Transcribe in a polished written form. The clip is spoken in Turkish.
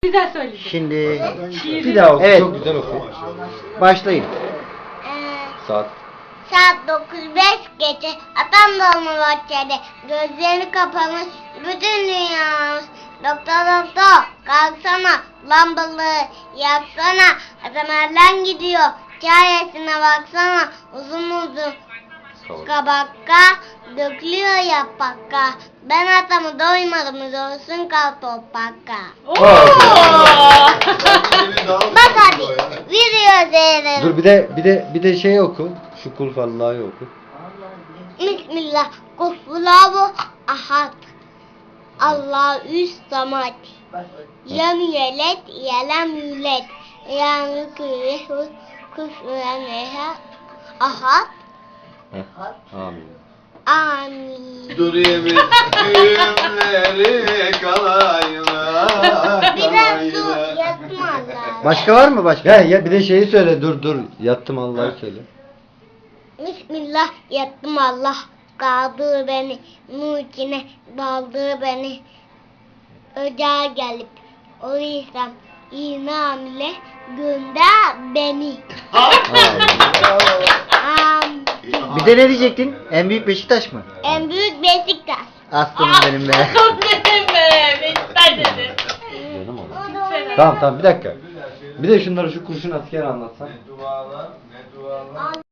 Güzel söyledin. Şimdi Şiiri. Bir daha oku. Evet. Çok güzel oku. başlayın. Saat. Saat 9:05 geçe atam dolma bahçede gözleri kapamış bütün dünyamız. Doktor kalksana lambalığı yaksana atam elden gidiyor çaresine baksana uzun uzun kabakka dökülüyor yapakka ben atamı doymadım olsun kal topakka. Bak hadi video seyredelim. Dur bir de şey oku. Şu kul vallahi oku. Bismillah, Kulhuvallahu ahad. Allahü samad. Lem yelet, yelem yület. Yani küfüren ahad. Amin. Amin. Dur yemin düğümleri kalayına. Bir de su yatma Allah. Başka var mı başka? Ya bir de şeyi söyle. Dur. Yattım Allah'ı söyle. Bismillah, yattım Allah. Kaldır beni, nur içine daldır beni. Ocağa gelip o insan iman ile gönder beni. Amin. Bir de ne diyecektin? En büyük Beşiktaş mı? En büyük Beşiktaş. Aslanım benim be. Dedim be. Beşiktaş dedi. Canım oğlum. Tamam bir dakika. Bir de şunları şu kurşun asker anlatsan. Ne dualar, ne dualar.